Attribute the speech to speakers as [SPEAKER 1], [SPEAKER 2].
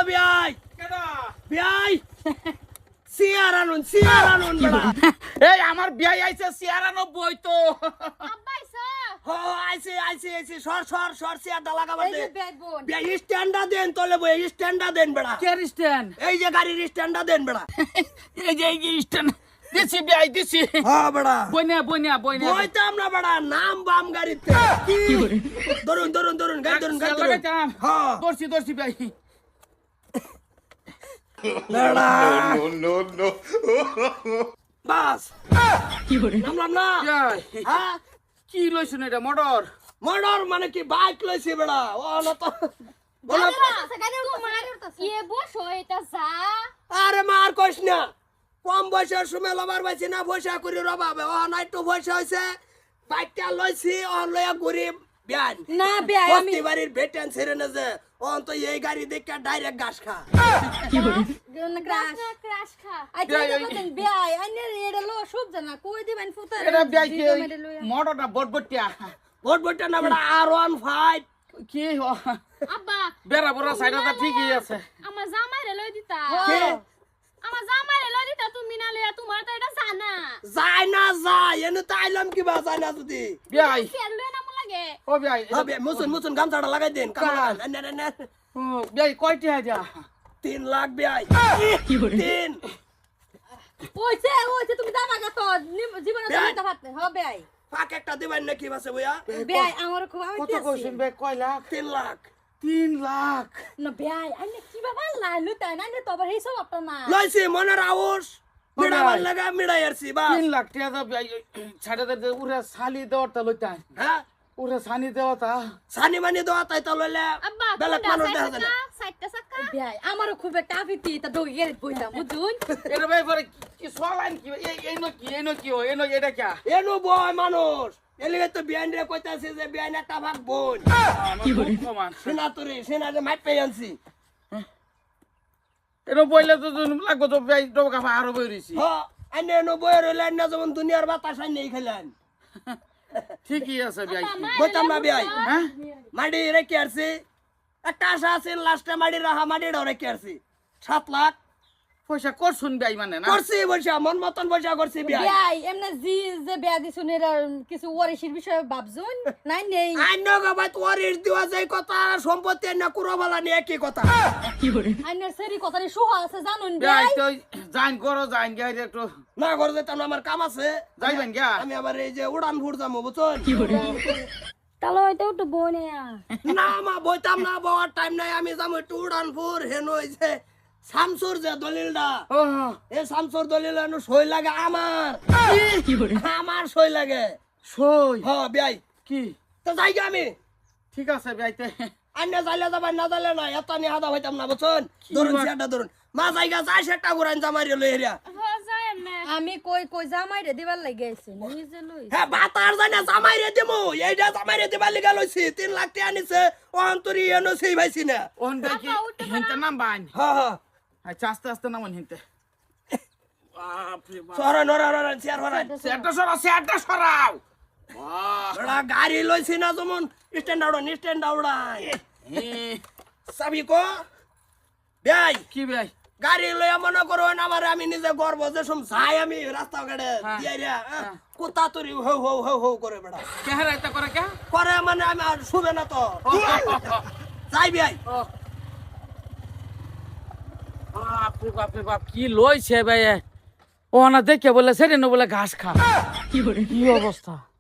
[SPEAKER 1] বিয়াই বিয়াই চেয়ার আনুন বড়া
[SPEAKER 2] এই আমার বিয়াই আইছে 96 তো
[SPEAKER 1] ও আইছে সর চেয়ারটা লাগাবার দে
[SPEAKER 3] বোন
[SPEAKER 1] বিয়াই স্ট্যান্ডা দেন তোলে বই স্ট্যান্ডা দেন বড়া
[SPEAKER 2] কে স্ট্যান্ড
[SPEAKER 1] এই যে গাড়ির স্ট্যান্ডা দেন বড়া
[SPEAKER 2] এই যে স্ট্যান্ড দিছি বিয়াই দিছি
[SPEAKER 1] হ্যাঁ বড়া
[SPEAKER 2] বইনা
[SPEAKER 1] বইতাম না বড়া নাম বাম গাড়িতে ধরুন গাড়ি ধরুন হ্যাঁ
[SPEAKER 2] দর্শি বিয়াই
[SPEAKER 1] বড়া
[SPEAKER 4] no.
[SPEAKER 1] বাস নামলাম না
[SPEAKER 2] বিয়াই
[SPEAKER 1] হ্যাঁ
[SPEAKER 2] কি লইছুন এটা মোটর
[SPEAKER 1] মোটর মানে কি বাইক লইছি বড়া ও না তো বলো আরে মার কইস না কম বয়সের সময় লবার পাইছি না পয়সা করে রবাবে ও না একটু পয়সা হইছে বাইকটা লইছি ও লইয়া ঘুরি বিয়ান
[SPEAKER 3] না বিয়াই আমি
[SPEAKER 1] বস্তি বাড়ির বেটেন ছেড়ে না যে ও তো এই গাড়ি দেখে ডাইরেক্ট ঘাস খা
[SPEAKER 3] ক্রাশ খা আচ্ছা বলেন বিয়াই আইনে এডা লো সব জানা কই দিবেন ফুতা
[SPEAKER 2] এটা বিয়াই কি মোটরটা বটবটিয়া
[SPEAKER 1] বটবটটা না বড়া R15
[SPEAKER 2] কি
[SPEAKER 5] আব্বা
[SPEAKER 2] বেরা বড় সাইডটা ঠিকই আছে
[SPEAKER 5] আমার জামাইরে লই দিতা
[SPEAKER 1] কে
[SPEAKER 5] আমার জামাইরে লই দিতা তুমি না লইয়া তোমার তো এটা জানা
[SPEAKER 1] যায় না যায় এনে তাইলাম কি বা যায় না যদি
[SPEAKER 2] বিয়াই
[SPEAKER 5] ফের লই না মু লাগে
[SPEAKER 2] ও বিয়াই
[SPEAKER 1] হবে মুসুন গামছাটা লাগাই দেন কামড়া না
[SPEAKER 2] বিয়াই কয়টি আইডিয়া
[SPEAKER 1] 3 লাখ বিয়াই 3
[SPEAKER 3] ওইছে তুমি দাবা গা তো জীবনে
[SPEAKER 1] বিয়াই।
[SPEAKER 3] তো পারতে হবে বিয়াই
[SPEAKER 1] পাক একটা দিবেন নাকি বাসে বইয়া
[SPEAKER 3] বিয়াই আমার খুব আমি
[SPEAKER 2] কত কইছেন বিয়াই কয় লাখ
[SPEAKER 1] 3 লাখ
[SPEAKER 2] 3 লাখ
[SPEAKER 3] না বিয়াই আইনে কি বাবা লাইলু তাই না তো আবার এই সব আপনা না
[SPEAKER 1] লইছি মনের আউস মিড়াবার লাগা মিড়াই আরছি বা
[SPEAKER 2] 3 লাখ টাকা বিয়াই ছাড়ে দে উরে সালি দেওয়াটা লইতা
[SPEAKER 1] হ্যাঁ
[SPEAKER 2] উরে সানি দেওয়াটা
[SPEAKER 1] সানি মানি দোয়া তাই তো লইলে
[SPEAKER 5] আব্বা
[SPEAKER 1] বেলেগ মানুষ দেখা যায় না
[SPEAKER 5] সাইডটা সাক্কা
[SPEAKER 3] বিয়াই আমার খুব একটা আফিতি তা দই গেরে বইতা বুঝুন
[SPEAKER 2] এটা ভাই পরে কি সলাইন কি এই নো কি এটা কি
[SPEAKER 1] এনু বয় মানুষ এলিগে তো বিয়ান রে কইতাছে যে বিয়ান একটা ভাগ বোন
[SPEAKER 2] কি করে সমান
[SPEAKER 1] সেনা যে মাইট পেয়ে আনছি
[SPEAKER 2] এটা বইলে তো লাগবো তো বিয়াই ডবকা আরো বইরিছি
[SPEAKER 1] হ আইনে এনু বয় রইলেন না যেমন দুনিয়ার বাতাস আইনে খেলেন
[SPEAKER 2] ঠিকই আছে বিয়াই
[SPEAKER 1] বইতাম না বিয়াই
[SPEAKER 2] হ্যাঁ
[SPEAKER 1] মাটি রেখে আসছি একটা আশা আছে লাস্টে মাটি রাহা মাটিটাও রেখে আসছি 7 লাখ
[SPEAKER 2] পয়সা করছুন বিয়াই মানে না
[SPEAKER 1] করছি বৈশা মন মতন বৈশা করছি বিয়াই
[SPEAKER 3] বিয়াই এমনে জি যে বিয়া দিছুন এর কিছু ওয়ারিশির বিষয়ে ভাবছুন নাই নেই
[SPEAKER 1] আইন গবাই তোর ইট দিওয়া যায় কথা সম্পত্তি না কুরো বালা নিয়ে কি কথা
[SPEAKER 3] আইনের সেরি কথারি সুহা আছে জানুন
[SPEAKER 2] বিয়াই
[SPEAKER 3] বিয়াই
[SPEAKER 2] তো জাইন করো জাইন গাই একটু
[SPEAKER 1] না করে যেতাম না, আমার কাম আছে
[SPEAKER 2] যাইবেন গা
[SPEAKER 1] আমি আবার এই যে উড়ান ফুট যাবো বুঝছেন
[SPEAKER 3] তাহলে হয়তো একটু বনে
[SPEAKER 1] না মা বইতাম না বাবার টাইম নাই আমি যাবো একটু উড়ান ফুর হেন ওই যে শামসুর যে দলিলটা
[SPEAKER 2] ও
[SPEAKER 1] এই শামসুর দলিল হেন সই লাগে আমার সই লাগে
[SPEAKER 2] সই
[SPEAKER 1] হ বিয়াই
[SPEAKER 2] কি
[SPEAKER 1] তো যাই গে আমি
[SPEAKER 2] ঠিক আছে বিয়াইতে
[SPEAKER 1] আন্না যাইলে যাবেন না যাইলে না এত নিয়ে হাদা হইতাম না বুঝছেন ধরুন সেটা ধরুন মা জায়গা যাই সেটা ঘুরান জামারি লই হেরিয়া
[SPEAKER 5] যায় এমনে
[SPEAKER 3] আমি কই জামাই রে দিবার লাগি আইছি নিজে লই
[SPEAKER 1] হ্যাঁ বাতার জানা জামাই রে দিমু এইটা জামাই রে দিবার লিগা লইছি 3 লাখ টাকা নিছে ও অন্তরি এনো সেই ভাইছি না
[SPEAKER 2] ওন ভাই কি হিনতে নাম বাইন
[SPEAKER 1] হ্যাঁ হ্যাঁ
[SPEAKER 2] আচ্ছা আস্তে নাম হিনতে বাপরে বাপ
[SPEAKER 1] সরা নরা নরা চেয়ার হরাই
[SPEAKER 2] সেটা সরাও বাহ
[SPEAKER 1] বড়া গাড়ি লইছি না যেমন স্ট্যান্ড আউড়াই সাবি কো ভাই
[SPEAKER 2] কি ভাই
[SPEAKER 1] গাড়ি লইয়া মনে করো না আমার আমি নিজে গর্ব যে সম যাই আমি রাস্তা ঘাটে
[SPEAKER 2] হ্যাঁ।
[SPEAKER 1] দিয়া রে কুত্তা তুরি হো করে বেড়া
[SPEAKER 2] কেহারা এটা করে কে
[SPEAKER 1] করে মানে আমি আর শুবে না তো যাই ভাই
[SPEAKER 2] বাপরে বাপ কি লইছে ভাই ও না দেখে বলে সেটা বলে ঘাস খা কি অবস্থা